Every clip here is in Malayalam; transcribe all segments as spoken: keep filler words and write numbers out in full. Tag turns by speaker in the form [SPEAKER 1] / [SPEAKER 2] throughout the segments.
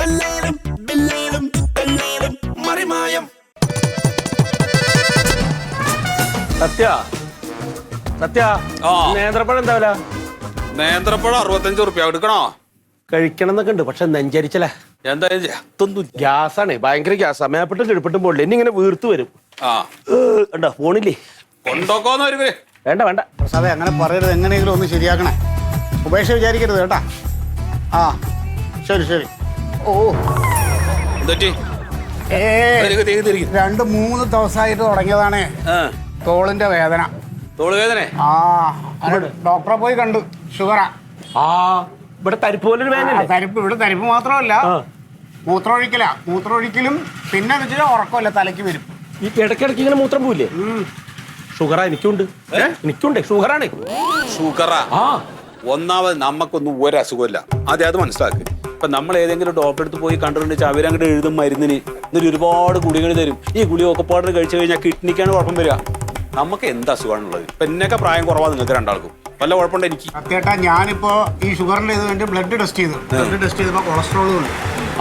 [SPEAKER 1] സത്യ സത്യ നേന്ത്രപ്പഴം എന്താവില്ല?
[SPEAKER 2] നേന്ത്രപ്പഴം അറുപത്തഞ്ച് റുപ്യ എടുക്കണോ?
[SPEAKER 1] കഴിക്കണം എന്നൊക്കെ ഉണ്ട്, പക്ഷെ നെഞ്ചരിച്ചല്ലേ.
[SPEAKER 2] എന്തായാലും
[SPEAKER 1] ഗ്യാസാണ്, ഭയങ്കര ഗ്യാസ്. മേപ്പിട്ടും കിടപ്പിട്ടും പോകില്ല, ഇനി ഇങ്ങനെ വീർത്ത് വരും. ഉണ്ടോ ഫോണില്ലേ?
[SPEAKER 2] കൊണ്ടോക്കോന്ന് വരും.
[SPEAKER 1] വേണ്ട വേണ്ട
[SPEAKER 3] പ്രസാദേ, അങ്ങനെ പറയരുത്. എങ്ങനെയെങ്കിലും ഒന്ന് ശരിയാക്കണേ. ഉപേക്ഷ വിചാരിക്കരുത് കേട്ടാ. ആ ശരി ശരി. ഓ രണ്ട് മൂന്ന് ദിവസമായിട്ട് തുടങ്ങിയതാണ് തോളിന്റെ വേദന.
[SPEAKER 2] തോള് വേദന?
[SPEAKER 3] ആ ഡോക്ടറെ പോയി കണ്ടു. ഷുഗറാ.
[SPEAKER 1] ആ ഇവിടെ തരിപ്പ് പോലൊരു വേദന.
[SPEAKER 3] തരിപ്പ് ഇവിടെ തരിപ്പ് മാത്രമല്ല, മൂത്രമൊഴിക്കല. മൂത്രമൊഴിക്കലും പിന്നെ വെച്ചാൽ ഉറക്കമല്ല, തലയ്ക്ക് വരും.
[SPEAKER 1] ഈ ഇടയ്ക്കിടയ്ക്ക് ഇങ്ങനെ മൂത്രം പോയില്ലേ? ഷുഗറാ എനിക്കുണ്ട്. എനിക്കുണ്ട് ഷുഗറാണ്.
[SPEAKER 2] ഷുഗറാ? ആ ഒന്നാമത് നമുക്കൊന്നും ഒരു അസുഖമില്ല, അതെ അത് മനസ്സിലാക്ക്. ഇപ്പൊ നമ്മൾ ഏതെങ്കിലും ഡോക്ടറെ അടുത്ത് പോയി കണ്ടിട്ടുണ്ടെങ്കിൽ അവരങ്ങോട്ട് എഴുതും മരുന്നിന്, എന്നിട്ട് ഒരുപാട് ഗുളികൾ തരും. ഈ ഗുളി ഒക്കെ പാടർ കഴിച്ചു കഴിഞ്ഞാൽ കിഡ്നിക്കാണ് കുഴപ്പം വരിക. നമുക്ക് എന്ത് അസുഖമാണുള്ളത്? ഇപ്പൊ എന്നൊക്കെ പ്രായം കുറവാണ് നിങ്ങൾക്ക് രണ്ടാൾക്കും. വല്ല കുഴപ്പമുണ്ട് എനിക്ക്?
[SPEAKER 3] സത്യേട്ടാ, ഞാനിപ്പോ ഈ ഷുഗറിന്റെ ഇത് വേണ്ടി ബ്ലഡ് ടെസ്റ്റ് ചെയ്തു. ബ്ലഡ് ടെസ്റ്റ് ചെയ്തപ്പോ കൊളസ്ട്രോളും ഉണ്ട്.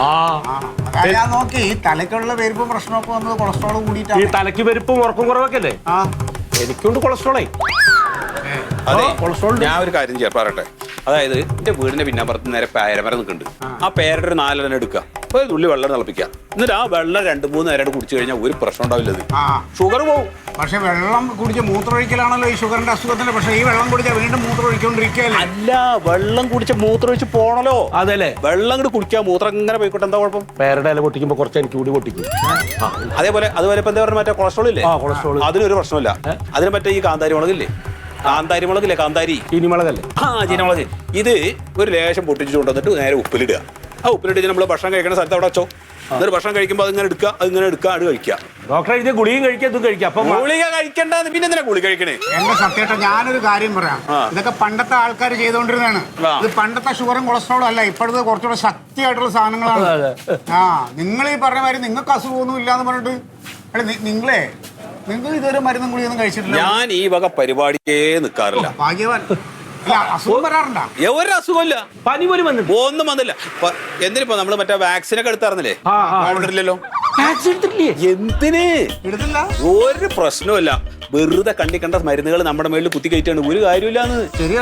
[SPEAKER 3] ഞാൻ നോക്കി തലക്കുള്ള പെരുപ്പും പ്രശ്നമൊക്കെ വന്നത് കൊളസ്ട്രോൾ കൂടിയിട്ടാണ്.
[SPEAKER 1] ഈ തലയ്ക്ക് പെരുപ്പും ഉറക്കം കുറവൊക്കെ അല്ലേ?
[SPEAKER 3] ആ
[SPEAKER 1] എനിക്കുണ്ട് കൊളസ്ട്രോളേ.
[SPEAKER 2] അതെ, കൊളസ്ട്രോൾ. ഞാൻ ഒരു കാര്യം ചെയ്യാം പറയട്ടെ. അതായത് എന്റെ വീടിന്റെ പിന്നാമ്പുറത്ത് നേരെ പേരമരം നിൽക്കുന്നുണ്ട്. ആ പേരുടെ ഒരു നാലെണ്ണം എടുക്കുക, ഒരു തുള്ളി വെള്ളം തിളപ്പിക്കുക, എന്നിട്ട് ആ വെള്ളം രണ്ട് മൂന്ന് നേരം കുടിച്ചു കഴിഞ്ഞാൽ ഒരു പ്രശ്നം ഉണ്ടാവില്ല. ഷുഗർ പോകും.
[SPEAKER 3] പക്ഷെ വെള്ളം കുടിച്ച് മൂത്രമൊഴിക്കലാണല്ലോ ഈ ഷുഗറിന്റെ അസുഖത്തിന്റെ. പക്ഷെ ഈ വെള്ളം കുടിച്ചാൽ വീണ്ടും മൂത്രമൊഴിക്കൊണ്ടിരിക്കുകയല്ലേ?
[SPEAKER 2] അല്ല, വെള്ളം കുടിച്ച് മൂത്രമൊഴിച്ച് പോണല്ലോ.
[SPEAKER 1] അതല്ലേ,
[SPEAKER 2] വെള്ളം കൂടി കുടിക്കുക, മൂത്രം ഇങ്ങനെ പോയിക്കോട്ടെ, എന്താ കുഴപ്പം?
[SPEAKER 1] പേരുടെ ഇല പൊട്ടിക്കുമ്പോ കുറച്ച് എനിക്ക് കൂടി പൊട്ടിക്കും.
[SPEAKER 2] അതേപോലെ അതുപോലെ ഇപ്പൊ എന്താ പറയുക, മറ്റേ കൊളസ്ട്രോൾ ഇല്ലേ?
[SPEAKER 1] കൊളസ്ട്രോൾ.
[SPEAKER 2] അതിനൊരു പ്രശ്നമില്ല. അതിന് മറ്റേ ഈ കാന്താരി മുളകില്ലേ, കാന്താരി മുളകില്ലേ, കാന്താരി
[SPEAKER 1] ചീനിമുളകല്ലേ?
[SPEAKER 2] ആ ചീനിമുളക്. ഇത് ഒരു ലേശം പൊട്ടിച്ചു കൊണ്ടുവന്നിട്ട് നേരെ ഉപ്പിലിടുക. ആ ഉപ്പിലിട്ട് നമ്മൾ ഭക്ഷണം കഴിക്കുന്ന സ്ഥലത്ത് അവിടെ വെച്ചോ. എന്നിട്ട് ഭക്ഷണം കഴിക്കുമ്പോൾ അതിങ്ങനെ എടുക്കുക, അതിങ്ങനെ എടുക്കുക, അത് കഴിക്കുക.
[SPEAKER 1] ഡോക്ടറെ എഴുതിയ ഗുളികയും കഴിക്കുക, ഇതും കഴിക്കുക. അപ്പൊ
[SPEAKER 2] ഗുളിക കഴിക്കണ്ടെന്ന് പിന്നെ എന്തിനാ ഗുളിക കഴിക്കണേ?
[SPEAKER 3] എന്റെ സത്യേട്ട, ഞാനൊരു കാര്യം പറയാം. ഇതൊക്കെ പണ്ടത്തെ ആൾക്കാർ ചെയ്തോണ്ടിരുന്നതാണ്. ഇത് പണ്ടത്തെ ഷുഗറും കൊളസ്ട്രോളും അല്ല, ഇപ്പോഴത്തെ കുറച്ചുകൂടെ ശക്തിയായിട്ടുള്ള സാധനങ്ങളാണ്. ആ നിങ്ങൾ ഈ പറഞ്ഞ മാതിരി നിങ്ങൾക്ക് അസുഖമൊന്നും ഇല്ലാന്ന് പറഞ്ഞിട്ട് അല്ല, നിങ്ങളെ നിങ്ങൾ ഇതുവരെ മരുന്നും ഗുളിയൊന്നും കഴിച്ചിട്ടില്ല.
[SPEAKER 2] ഞാൻ ഈ വക പരിപാടിക്കേ നിൽക്കാറില്ല.
[SPEAKER 3] ഭാഗ്യവാൻ. അസുഖം വരാറുണ്ടോ?
[SPEAKER 2] ഒരു അസുഖമില്ല,
[SPEAKER 1] പനി പോലും വന്നിട്ട്
[SPEAKER 2] ഒന്നും വന്നില്ല. എന്തിനിപ്പോ നമ്മള് മറ്റേ വാക്സിനൊക്കെ എടുത്തായിരുന്നില്ലേ? ഇല്ലല്ലോ. എന്തിന്
[SPEAKER 3] എടുത്തില്ല?
[SPEAKER 2] ഒരു പ്രശ്നമില്ല. വെറുതെ കണ്ടി കണ്ട മരുന്നുകൾ നമ്മുടെ മേളിൽ കുത്തി കയറ്റാണ്, ഒരു കാര്യമില്ലാന്ന്.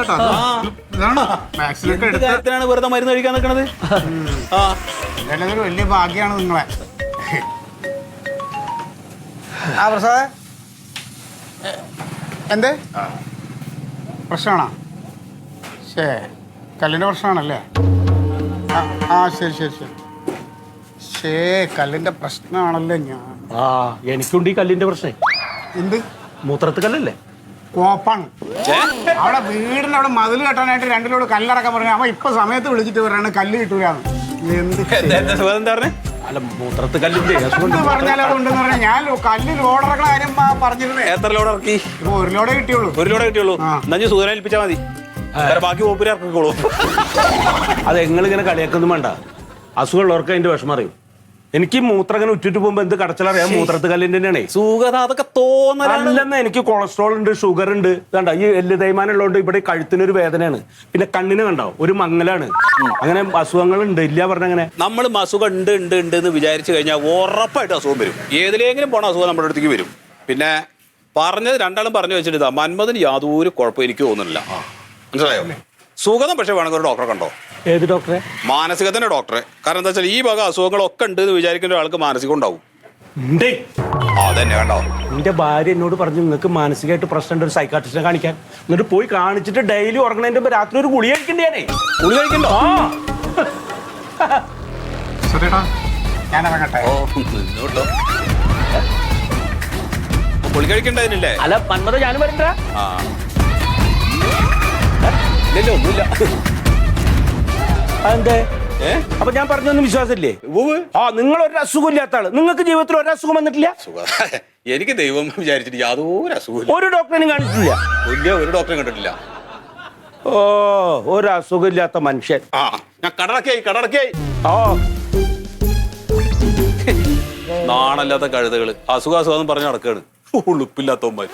[SPEAKER 2] കാര്യത്തിനാണ് വെറുതെ മരുന്ന് കഴിക്കാൻ നിൽക്കണത്. ആ
[SPEAKER 3] ഒരു വലിയ ഭാഗ്യാണ് നിങ്ങളെ. ആ പ്രസാദേ, എന്തേ പ്രശ്നമാണോ? ശേ, കല്ലിൻ്റെ പ്രശ്നമാണല്ലേ? ആ ആ ശരി ശരി ശരി. ശേ, കല്ലിൻ്റെ പ്രശ്നമാണല്ലേ? ഞാൻ
[SPEAKER 1] ആ എനിക്കുണ്ട് ഈ കല്ലിന്റെ പ്രശ്നം.
[SPEAKER 3] എന്ത്?
[SPEAKER 1] മൂത്രത്ത് കല്ലല്ലേ?
[SPEAKER 3] കോപ്പാണ്. അവിടെ വീടിൻ്റെ അവിടെ മതിൽ കെട്ടാനായിട്ട് രണ്ടിലോട് കല്ലറക്കാൻ പറഞ്ഞു. അവൻ ഇപ്പൊ സമയത്ത് വിളിച്ചിട്ട് പറയാണ് കല്ല് കിട്ടൂലാന്ന്. എന്ത്
[SPEAKER 1] അല്ല, മൂത്രത്ത് കല്ലിന്റെ
[SPEAKER 3] പറഞ്ഞാലും അതുണ്ടെന്ന് പറഞ്ഞാൽ ഞാൻ കല്ല് ലോഡറക്കണ കാര്യം പറഞ്ഞിരുന്നേ.
[SPEAKER 2] എത്ര ലോഡ് ഇറക്കി?
[SPEAKER 3] ഇപ്പൊ ഒരു ലോഡേ കിട്ടിയുള്ളൂ.
[SPEAKER 2] ഒരു ലോഡേ കിട്ടിയുള്ളൂ. എന്നാ സൂചന ഏൽപ്പിച്ചാൽ മതി, ബാക്കി ഓപ്പര് ഇറക്കിക്കോളൂ.
[SPEAKER 1] അത് എങ്ങളിങ്ങനെ കളിയാക്കൊന്നും വേണ്ട. അസുഖമുള്ളവർക്ക് അതിന്റെ വിഷമം അറിയും. എനിക്ക് മൂത്രം ഇങ്ങനെ ഉറ്റിട്ട് പോകുമ്പോ എന്ത് കടച്ചലറിയാം, മൂത്രത്ത് കല്ലിന്റെ തന്നെയാണേ.
[SPEAKER 2] സുഖത അതൊക്കെ തോന്നലല്ലെന്ന്.
[SPEAKER 1] എനിക്ക് കൊളസ്ട്രോൾ ഉണ്ട്, ഷുഗർ ഉണ്ട്. കണ്ട ഈ എല്ല് തേയ്മാനം ഉള്ളതുകൊണ്ട് ഇവിടെ കഴുത്തിനൊരു വേദനയാണ്, പിന്നെ കണ്ണിന് കണ്ടോ ഒരു മങ്ങലാണ്. അങ്ങനെ അസുഖങ്ങൾ ഉണ്ട്, ഇല്ല പറഞ്ഞങ്ങനെ.
[SPEAKER 2] നമ്മൾ അസുഖം ഉണ്ട് ഉണ്ട് ഉണ്ട് എന്ന് വിചാരിച്ചു കഴിഞ്ഞാൽ ഉറപ്പായിട്ട് അസുഖം വരും. ഏതിലെങ്കിലും പോണ അസുഖം നമ്മുടെ അടുത്തേക്ക് വരും. പിന്നെ പറഞ്ഞത് രണ്ടാളും പറഞ്ഞു വെച്ചിട്ട് മന്മഥന് യാതൊരു കുഴപ്പം എനിക്ക് തോന്നുന്നില്ല. മനസ്സിലായോ? സുഖം പക്ഷെ വേണമെങ്കിൽ ഒരു ഡോക്ടറെ കണ്ടോ.
[SPEAKER 1] ഏത് ഡോക്ടറെ?
[SPEAKER 2] മാനസികത്തിന്റെ ഡോക്ടറെ. കാരണം എന്താ വെച്ചാൽ ഈ വക അസുഖങ്ങളൊക്കെ ഉണ്ട് എന്ന് വിചാരിക്കുന്ന ഒരാൾക്ക് മാനസികം ഉണ്ടാവും. അതന്നെ കണ്ടോ,
[SPEAKER 1] എന്റെ ഭാര്യ എന്നോട് പറഞ്ഞു നിങ്ങൾക്ക് മാനസികമായിട്ട് പ്രശ്നമുണ്ട്, ഒരു സൈക്കാട്രിസ്റ്റിനെ കാണിക്കാൻ. എന്നിട്ട് പോയി കാണിച്ചിട്ട് ഡെയിലി ഉറങ്ങണതിന്റെ മുമ്പ് രാത്രി ഒരു ഗുളിക കഴിക്കണ്ടേ?
[SPEAKER 2] ഗുളിക കഴിക്കണ്ടോ?
[SPEAKER 3] ഞാൻ ഇറങ്ങട്ടെ.
[SPEAKER 2] ഗുളിക കഴിക്കണ്ടതിനല്ലേ?
[SPEAKER 1] അല്ല മന്മഥ, ഞാനും വരണ്ട.
[SPEAKER 2] ഇല്ലല്ലോ, ഒന്നുമില്ല.
[SPEAKER 1] അതെന്തേ? അപ്പൊ ഞാൻ പറഞ്ഞൊന്നും വിശ്വാസമില്ലേ? ആ, നിങ്ങൾ ഒരു അസുഖം ഇല്ലാത്ത ആള്, നിങ്ങൾക്ക് ജീവിതത്തിൽ ഒരു അസുഖം വന്നിട്ടില്ല?
[SPEAKER 2] എനിക്ക് ദൈവം വിചാരിച്ചിട്ട് യാതൊരു അസുഖം
[SPEAKER 1] ഒരു ഡോക്ടറിനും കണ്ടിട്ടില്ല?
[SPEAKER 2] വലിയ ഒരു ഡോക്ടറെ കണ്ടിട്ടില്ല.
[SPEAKER 1] ഓ, ഒരു അസുഖം ഇല്ലാത്ത മനുഷ്യൻ.
[SPEAKER 2] ആ, ഞാൻ കടടക്കായി കടടക്കായി.
[SPEAKER 1] ഓ,
[SPEAKER 2] നാണല്ലാത്ത കഴുതകള് അസുഖ അസുഖം പറഞ്ഞ് നടക്കാണ്. ഉളുപ്പില്ലാത്തവന്മാര്.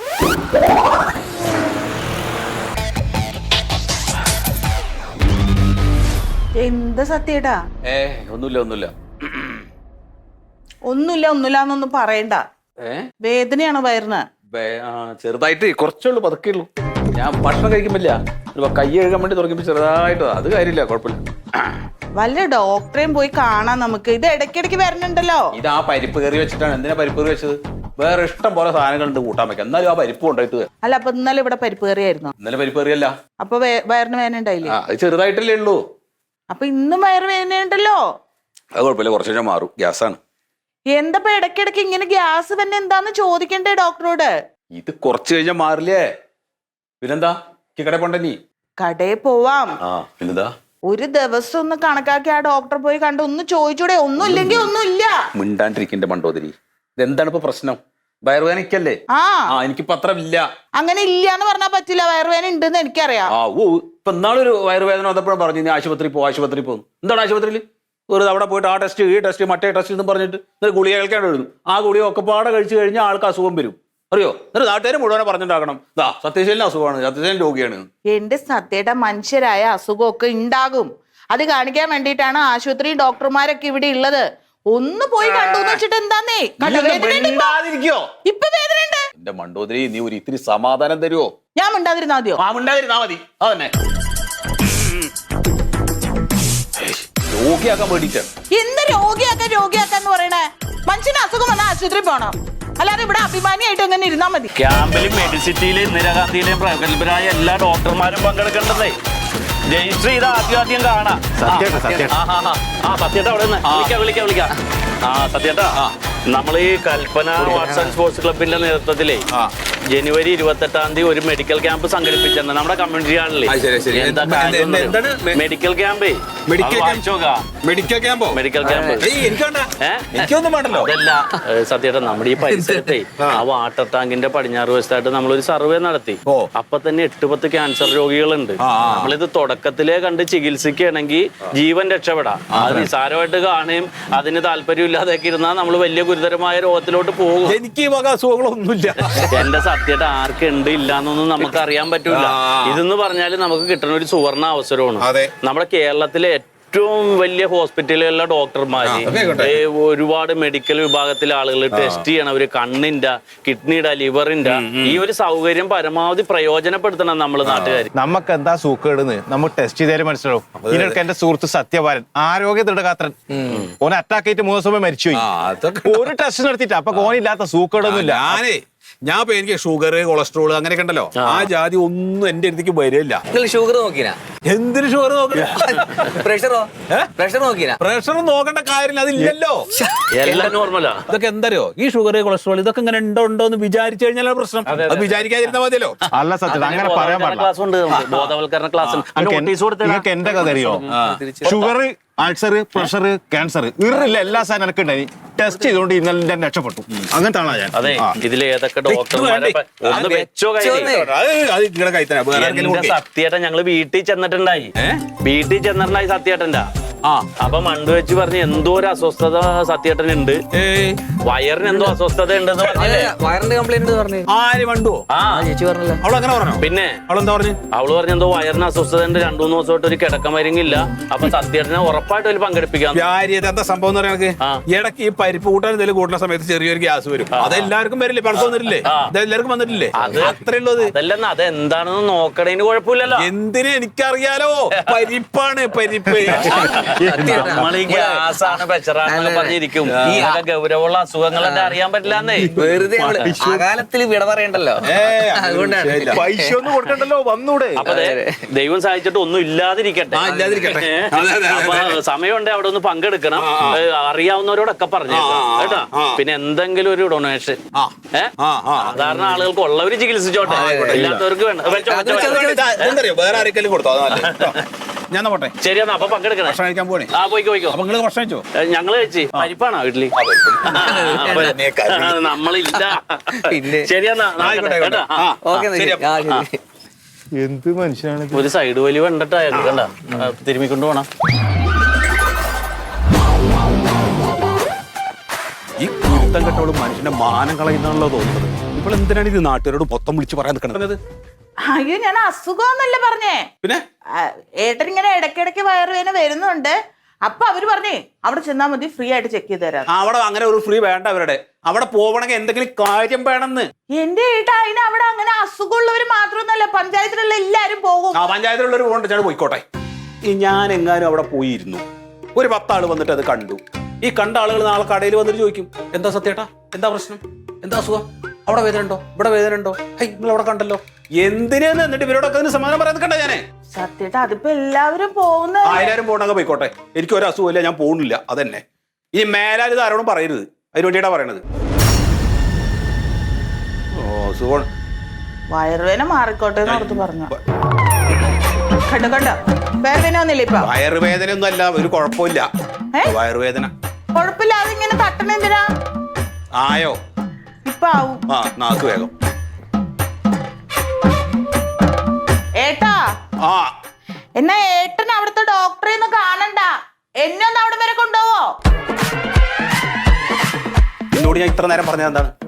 [SPEAKER 4] എന്താ സത്യേട്ടാ?
[SPEAKER 2] ഏ ഒന്നുമില്ല ഒന്നുമില്ല
[SPEAKER 4] ഒന്നുമില്ല ഒന്നുമില്ല എന്നൊന്നും പറയണ്ട.
[SPEAKER 2] ഏ
[SPEAKER 4] വേദനയാണോ വയറിന്?
[SPEAKER 2] ചെറുതായിട്ട് കുറച്ചുള്ളൂ, പതുക്കേ ഉള്ളൂ. ഞാൻ ഭക്ഷണം കഴിക്കുമ്പില്ല, കൈ കഴുകാൻ വേണ്ടി തുറക്കുമ്പോ ചെറുതായിട്ട്, അത് കാര്യമില്ല, കുഴപ്പമില്ല.
[SPEAKER 4] വല്ല ഡോക്ടറെയും പോയി കാണാൻ നമുക്ക്. ഇത് ഇടയ്ക്കിടയ്ക്ക് വരണുണ്ടല്ലോ.
[SPEAKER 2] ഇത് ആ പരിപ്പ് കറി വെച്ചിട്ടാണ്. എന്തിനാ പരിപ്പ് കറി വെച്ചത്? വേറെ ഇഷ്ടം പോലെ സാധനങ്ങളുണ്ട് കൂട്ടാൻ വെക്കാം, എന്നാലും ആ പരിപ്പ് കൊണ്ടായിട്ട്.
[SPEAKER 4] അല്ല, അപ്പൊ ഇന്നലെ ഇവിടെ പരിപ്പ് കറിയായിരുന്നു.
[SPEAKER 2] ഇന്നലെ പരിപ്പ് കറിയല്ല.
[SPEAKER 4] അപ്പൊ വയറിന് വേദന ഉണ്ടായില്ലേ?
[SPEAKER 2] അത് ചെറുതായിട്ടല്ലേ ഉള്ളൂ.
[SPEAKER 4] അപ്പൊ ഇന്നും വയറ് വേദന ഉണ്ടല്ലോ.
[SPEAKER 2] അത് കുഴപ്പമില്ല, കുറച്ച് കഴിഞ്ഞാൽ മാറും. ഗ്യാസാണ്.
[SPEAKER 4] എന്തപ്പോ ഇടയ്ക്കിടയ്ക്ക് ഇങ്ങനെ ഗ്യാസ് തന്നെ എന്താന്ന് ചോദിക്കണ്ടേ ഡോക്ടറോട്?
[SPEAKER 2] ഇത് കുറച്ച് കഴിഞ്ഞാൽ മാറില്ലേ? പിന്നെന്താ കടയിൽ പോണ്ട നീ?
[SPEAKER 4] കടയിൽ പോവാം.
[SPEAKER 2] ആ പിന്നെന്താ?
[SPEAKER 4] ഒരു ദിവസം ഒന്ന് കണക്കാക്കി ആ ഡോക്ടറെ പോയി കണ്ട് ഒന്ന് ചോദിച്ചൂടെ? ഒന്നും ഇല്ലെങ്കിൽ ഒന്നും ഇല്ല.
[SPEAKER 2] മിണ്ടാണ്ടിരിക്കണ്ട മണ്ടോദരി. ഇതെന്താണ് ഇപ്പൊ പ്രശ്നം? വയറുവേദനയ്ക്കല്ലേ?
[SPEAKER 4] ആ
[SPEAKER 2] ആ എനിക്കിപ്പോ അത്ര ഇല്ല.
[SPEAKER 4] അങ്ങനെ ഇല്ല എന്ന് പറഞ്ഞാൽ പറ്റില്ല. വയറുവേദന ഉണ്ടെന്ന് എനിക്കറിയാം.
[SPEAKER 2] ആ ഓ ഇപ്പൊ നാളൊരു വയറുവേദന വന്നപ്പോഴും പറഞ്ഞു നീ ആശുപത്രി പോ ആശുപത്രി പോകുന്നു. എന്താണ് ആശുപത്രിയിൽ വെറുതെ അവിടെ പോയിട്ട് ആ ടെസ്റ്റ് ഈ ടെസ്റ്റ് മറ്റേ ടെസ്റ്റ് എന്ന് പറഞ്ഞിട്ട് ഗുളിക കേൾക്കാണ്ട് എഴുതും. ആ ഗുളിക ഒക്കെ പാടെ കഴിച്ചു കഴിഞ്ഞാൽ ആൾക്ക് അസുഖം വരും. അറിയോ? എന്നിട്ട് നാട്ടുകാർ മുഴുവനെ പറഞ്ഞിട്ടാക്കണം ദാ സത്യശീലന് അസുഖമാണ്, സത്യശീലൻ രോഗിയാണ്.
[SPEAKER 4] എന്റെ സത്യയുടെ മനുഷ്യരായ അസുഖമൊക്കെ ഉണ്ടാകും. അത് കാണിക്കാൻ വേണ്ടിയിട്ടാണ് ആശുപത്രി ഡോക്ടർമാരൊക്കെ ഇവിടെ ഉള്ളത്. ഒന്ന് പോയി കണ്ടു വെച്ചിട്ട് എന്താന്നേ? ഇപ്പൊ വേദന ഉണ്ട്.
[SPEAKER 2] എന്റെ മണ്ടോദരി, നീ ഒരു ഇത്തിരി സമാധാനം തരുമോ?
[SPEAKER 4] ഞാൻ മിണ്ടാതിരുന്നാ മതിയോ?
[SPEAKER 2] ആ മിണ്ടാതിരുന്നാ മതി. അതന്നെ രോഗിയാക്കാൻ വേണ്ടിട്ട്.
[SPEAKER 4] എന്ത് രോഗിയാക്കാൻ രോഗിയാക്കാന്ന് പറയണേ? മനുഷ്യന് അസുഖം വന്നാൽ ആശുപത്രി പോണം, അല്ലാതെ ഇവിടെ അഭിമാനിയായിട്ട് എങ്ങനെ ഇരുന്നാ മതി?
[SPEAKER 1] ക്യാമ്പിലും മെഡിസിറ്റിയിലും ഇന്ദിരാഗാന്ധിയിലെയും പ്രഗത്ഭരായ എല്ലാ ഡോക്ടർമാരും പങ്കെടുക്കേണ്ടതേ. രജിസ്റ്റർ ചെയ്ത് ആദ്യം ആദ്യം കാണാം. ആ സത്യേട്ടാ അവിടെ നിന്ന് വിളിക്കാം വിളിക്കാം വിളിക്കാം. ആ സത്യേട്ടാ, നമ്മൾ ഈ കൽപ്പന ആർട്സ് ആൻഡ് സ്പോർട്സ് ക്ലബിന്റെ നേതൃത്വത്തിലേ ജനുവരി ഇരുപത്തെട്ടാം തീയതി ഒരു മെഡിക്കൽ ക്യാമ്പ് സംഘടിപ്പിച്ചിട്ടുണ്ട് നമ്മുടെ കമ്മ്യൂണിറ്റി ഹാളിൽ. മെഡിക്കൽ ക്യാമ്പേ.
[SPEAKER 2] മെഡിക്കൽ ക്യാമ്പോ?
[SPEAKER 1] മെഡിക്കൽ ക്യാമ്പ് അതല്ല സത്യേട്ടാ, നമ്മുടെ ഈ പരിസരത്തെ ആ വാട്ടർ ടാങ്കിന്റെ പടിഞ്ഞാറ് വശത്തായിട്ട് നമ്മളൊരു സർവേ നടത്തി. അപ്പൊ തന്നെ എട്ട് പത്ത് ക്യാൻസർ രോഗികളുണ്ട്. നമ്മളിത് തുടക്കത്തിലേ കണ്ട് ചികിത്സിക്കുകയാണെങ്കിൽ ജീവൻ രക്ഷപ്പെടാം. അത് നിസാരമായിട്ട് കാണുകയും അതിന് താല്പര്യമില്ലാതെയൊക്കെ ഇരുന്നാൽ നമ്മൾ വലിയ ഗുരുതരമായ രോഗത്തിലോട്ട് പോകും.
[SPEAKER 2] എനിക്ക് ഈ വക അസുഖങ്ങളൊന്നുമില്ല.
[SPEAKER 1] എന്റെ സത്യമായിട്ട് ആർക്ക് ഉണ്ട് ഇല്ല എന്നൊന്നും നമുക്ക് അറിയാൻ പറ്റൂല. ഇതെന്ന് പറഞ്ഞാല് നമുക്ക് കിട്ടുന്ന ഒരു സുവർണ അവസരമാണ്. നമ്മുടെ കേരളത്തിലെ ഏറ്റവും വലിയ ഹോസ്പിറ്റലുകളിലെ ഡോക്ടർമാര്, ഒരുപാട് മെഡിക്കൽ വിഭാഗത്തിലെ ആളുകൾ ടെസ്റ്റ് ചെയ്യണവര്, കണ്ണിന്റെ, കിഡ്നിയുടെ, ലിവറിന്റെ ഈ ഒരു സൗകര്യം പരമാവധി പ്രയോജനപ്പെടുത്തണം നമ്മൾ നാട്ടുകാർ.
[SPEAKER 5] നമുക്ക് എന്താ സൂക്കേടുന്ന് നമുക്ക് ടെസ്റ്റ് ചെയ്താലും മനസ്സിലാവും. ഇതിനൊക്കെ എന്റെ സുഹൃത്ത് സത്യവാരൻ ആരോഗ്യ ദൃഢഗാത്രൻ ഓനെ അറ്റാക്ക് ആയിട്ട് മൂന്ന് ദിവസം മരിച്ചുപോയി. ഒരു ടെസ്റ്റ് നടത്തിയിട്ട് അപ്പൊ ഓനില്ലാത്ത സൂക്കേടൊന്നും ഇല്ല.
[SPEAKER 2] ഞാനേ ഞാൻ ഇപ്പൊ എനിക്ക് ഷുഗർ കൊളസ്ട്രോൾ അങ്ങനെയൊക്കെ ഉണ്ടല്ലോ, ആ ജാതി ഒന്നും എന്റെ അടുത്തേക്ക് വരില്ല.
[SPEAKER 6] ഷുഗർ നോക്കിനാ?
[SPEAKER 2] എന്തിനു ഷുഗർ നോക്കണ?
[SPEAKER 6] പ്രഷറോ? പ്രഷർ നോക്കിനാ?
[SPEAKER 2] പ്രഷർ നോക്കേണ്ട കാര്യമില്ല, അതില്ലല്ലോ.
[SPEAKER 1] എല്ലാം നോർമലാ.
[SPEAKER 2] ഇതൊക്കെ എന്തറിയോ, ഈ ഷുഗർ കൊളസ്ട്രോൾ ഇതൊക്കെ ഇങ്ങനെ ഉണ്ടോ ഉണ്ടോ എന്ന് വിചാരിച്ചു കഴിഞ്ഞാൽ പ്രശ്നം. അത് വിചാരിക്കാതിരുന്നാ മതിയല്ലോ.
[SPEAKER 5] അല്ല സത്യം അങ്ങനെ പറയാൻ പാടില്ല.
[SPEAKER 1] ക്ലാസ് ഉണ്ട്, ബോധവൽക്കരണ ക്ലാസ്.
[SPEAKER 5] നിങ്ങൾക്ക് എന്റെ കഥ അറിയോ? ഷുഗർ, അൾസർ, പ്രഷർ, ക്യാൻസർ ഇറില്ല എല്ലാ സാധനം എനിക്ക് ഉണ്ടായി. ടെസ്റ്റ് ചെയ്തുകൊണ്ട് ഇന്നലെ ഞാൻ രക്ഷപ്പെട്ടു. അങ്ങനത്തെ ആളാ ഞാൻ.
[SPEAKER 1] അതെ, ഇതിൽ ഏതൊക്കെ ഡോക്ടർമാരെ ഒന്ന് വെച്ചോ സത്യേട്ടൻ ഞങ്ങള് വീട്ടിൽ ചെന്നിട്ടുണ്ടായി. വീട്ടിൽ ചെന്നിട്ടുണ്ടായി സത്യേട്ടന്റെ. ആ അപ്പൊ മണ്ടു വെച്ച് പറഞ്ഞ് എന്തോ ഒരു അസ്വസ്ഥത സത്യേട്ടൻ ഉണ്ട്, വയറിന് എന്തോ അസ്വസ്ഥത ഉണ്ടെന്ന് പറഞ്ഞില്ലേ?
[SPEAKER 6] വയറിന്റെ കംപ്ലൈന്റ് പറഞ്ഞു.
[SPEAKER 2] ആര് മണ്ടു?
[SPEAKER 6] ആ ചേച്ചി പറഞ്ഞല്ലോ.
[SPEAKER 2] അവളങ്ങനെ പറഞ്ഞു.
[SPEAKER 1] പിന്നെ
[SPEAKER 2] അവളെന്താ പറഞ്ഞു?
[SPEAKER 1] അവള് പറഞ്ഞ എന്തോ വയറിന് അസ്വസ്ഥത ഉണ്ട്, രണ്ടു മൂന്ന് ദിവസമായിട്ട് ഒരു കിടക്കമരുങ്ങില്ല. അപ്പൊ സത്യേട്ടനെ ഉറപ്പായിട്ട് അതിൽ പങ്കെടുപ്പിക്കാം.
[SPEAKER 2] എന്താ സംഭവം എന്ന് പറയാൻ ഇടയ്ക്ക് ഈ പരിപ്പ് കൂട്ടാൻ എന്തെങ്കിലും കൂട്ടുന്ന സമയത്ത് ചെറിയൊരു ഗ്യാസ് വരും. അതെല്ലാവർക്കും വരില്ലേ? പഴക്കം വന്നിട്ടില്ലേ? അതെല്ലാവർക്കും വന്നിട്ടില്ലേ?
[SPEAKER 1] അത്
[SPEAKER 2] അത്രേ ഉള്ളത്.
[SPEAKER 1] അതല്ലെന്ന് അതെന്താണെന്ന് നോക്കണേന് കുഴപ്പമില്ലല്ലോ.
[SPEAKER 2] എന്തിനു എനിക്കറിയാലോ, പരിപ്പാണ് പരിപ്പ്.
[SPEAKER 1] നമ്മളീ ഗ്യാസാണ് പ്രഷറാണ് പറഞ്ഞിരിക്കും. ഈ ഗൗരവമുള്ള അസുഖങ്ങളൊക്കെ അറിയാൻ പറ്റില്ലാന്നേ.
[SPEAKER 6] വെറുതെ അകാലത്തിൽ വിട പറയണ്ടല്ലോ, അതുകൊണ്ടാണ്.
[SPEAKER 5] പൈസ ഒന്നും കൊടുക്കണ്ടല്ലോ, വന്നൂടെ.
[SPEAKER 1] അപ്പൊ ദൈവം സഹായിച്ചിട്ട് ഒന്നും ഇല്ലാതിരിക്കട്ടെ. അപ്പൊ സമയമുണ്ട് അവിടെ ഒന്ന് പങ്കെടുക്കണം. അറിയാവുന്നവരോടൊക്കെ പറഞ്ഞേക്കാം കേട്ടോ. പിന്നെ എന്തെങ്കിലും ഒരു ഡൊണേഷൻ ഏഹ് സാധാരണ ആളുകൾക്ക് ഉള്ളവര് ചികിത്സിച്ചോട്ടെ, ഇല്ലാത്തവർക്ക് വേണ്ട.
[SPEAKER 2] വേറെ ആരെങ്കിലും കൊടുത്തോ? ഞാൻ പോട്ടെ.
[SPEAKER 1] ശരിയാ, അപ്പൊ പങ്കെടുക്കണം.
[SPEAKER 2] ഭക്ഷണം കഴിക്കാൻ പോണേ.
[SPEAKER 1] ആ പോയിക്കോ പോയിക്കോ.
[SPEAKER 2] അപ്പൊ നിങ്ങള് ഭക്ഷണം കഴിച്ചോ?
[SPEAKER 1] ഞങ്ങള് കഴിച്ച്. പരിപ്പാണോ വീട്ടില്? നമ്മളില്ല.
[SPEAKER 6] പിന്നെ
[SPEAKER 1] ശരിയെന്നാ.
[SPEAKER 5] എന്ത് മനുഷ്യനാണ്.
[SPEAKER 1] ഒരു സൈഡ് വലി കണ്ടിട്ടായിരുന്നു കണ്ട തിരുമ്മിക്കൊണ്ട് പോണം.
[SPEAKER 2] ഈ കുരുത്തം കെട്ടോളും മനുഷ്യന്റെ മാനം കളയുന്നാണല്ലോ തോന്നുന്നത്. ഇപ്പോൾ എന്തിനാണ് ഇത് നാട്ടുകാരോട് മൊത്തം വിളിച്ച് പറയാൻ നിൽക്കുന്നത്?
[SPEAKER 4] അയ്യോ ഞാൻ അസുഖം എന്നല്ലേ പറഞ്ഞേ.
[SPEAKER 2] പിന്നെ
[SPEAKER 4] ആ, ഏട്ടൻ ഇങ്ങനെ ഇടയ്ക്കിടയ്ക്ക് വയറുവേദന വരുന്നുണ്ട്. അപ്പൊ അവര് പറഞ്ഞേ അവിടെ ചെന്നാ മതി, ഫ്രീ ആയിട്ട് ചെക്ക് ചെയ്ത് തരാം.
[SPEAKER 2] അവിടെ അങ്ങനെ ഒരു ഫ്രീ വേണ്ട അവരുടെ. അവിടെ പോവണമെങ്കിൽ എന്തെങ്കിലും കാര്യം വേണമെന്ന്.
[SPEAKER 4] എന്റെ ഏട്ടാ അതിന് അവിടെ അങ്ങനെ അസുഖമുള്ളവര് മാത്രമൊന്നുമല്ല, പഞ്ചായത്തിലുള്ള എല്ലാരും പോകും.
[SPEAKER 2] ആ പഞ്ചായത്തിലുള്ളവർ പോകണ്ട, ചേട്ടൻ പോയിക്കോട്ടെ. ഈ ഞാൻ എങ്ങാനും അവിടെ പോയിരുന്നു, ഒരു പത്താള് വന്നിട്ട് അത് കണ്ടു. ഈ കണ്ട ആളുകൾ നാളെ കടയിൽ വന്നിട്ട് ചോദിക്കും, എന്താ സത്യേട്ടാ, എന്താ പ്രശ്നം, എന്താ അസുഖം, അവിടെ വേദന ഉണ്ടോ, ഇവിടെ വേദന ഉണ്ടോ, ഹൈ നിങ്ങൾ അവിടെ കണ്ടല്ലോ, എന്തിനാന്ന് എന്നിട്ട് ഇവരോടൊക്കെ അതിന് സമാധാനം പറയാൻ കണ്ട ഞാനേ.
[SPEAKER 4] സത്യേട്ടാ അതിപ്പോ എല്ലാവരും പോകുന്ന
[SPEAKER 2] ആയിരം പോകണമെങ്കിൽ പോയിക്കോട്ടെ, എനിക്ക് ഒരു അസുഖമില്ല, ഞാൻ പോകുന്നില്ല, അതന്നെ. ഇനി മേലാൽ ഇത് ആരോടും പറയരുത്, അതിന് വേണ്ടിയിട്ടാ പറയണത്. ഓ സുഖമാണ്.
[SPEAKER 4] വയറുവേദന മാറിക്കോട്ടെ എന്ന് ഓർത്ത് പറഞ്ഞു. കണ്ടോ കണ്ടോ വയറുവേദന ഒന്നില്ല ഇപ്പൊ.
[SPEAKER 2] വയറുവേദന ഒന്നും അല്ല, ഒരു കുഴപ്പമില്ല. വയറുവേദന
[SPEAKER 4] കുഴപ്പമില്ല, അതിങ്ങനെ തട്ടണ എന്തിനാ?
[SPEAKER 2] ആയോ
[SPEAKER 4] ഇപ്പൊ ആവും.
[SPEAKER 2] ആ നാക്ക് വേഗം.
[SPEAKER 4] ഏട്ടാ
[SPEAKER 2] ആ
[SPEAKER 4] എന്നാ ഏട്ടൻ അവിടുത്തെ ഡോക്ടറെ ഒന്നും കാണണ്ട, എന്നെ ഒന്ന് അവിടെ വരെ കൊണ്ടുപോവോ?
[SPEAKER 2] എന്നോട് ഞാൻ ഇത്ര നേരം പറഞ്ഞത് എന്താണ്?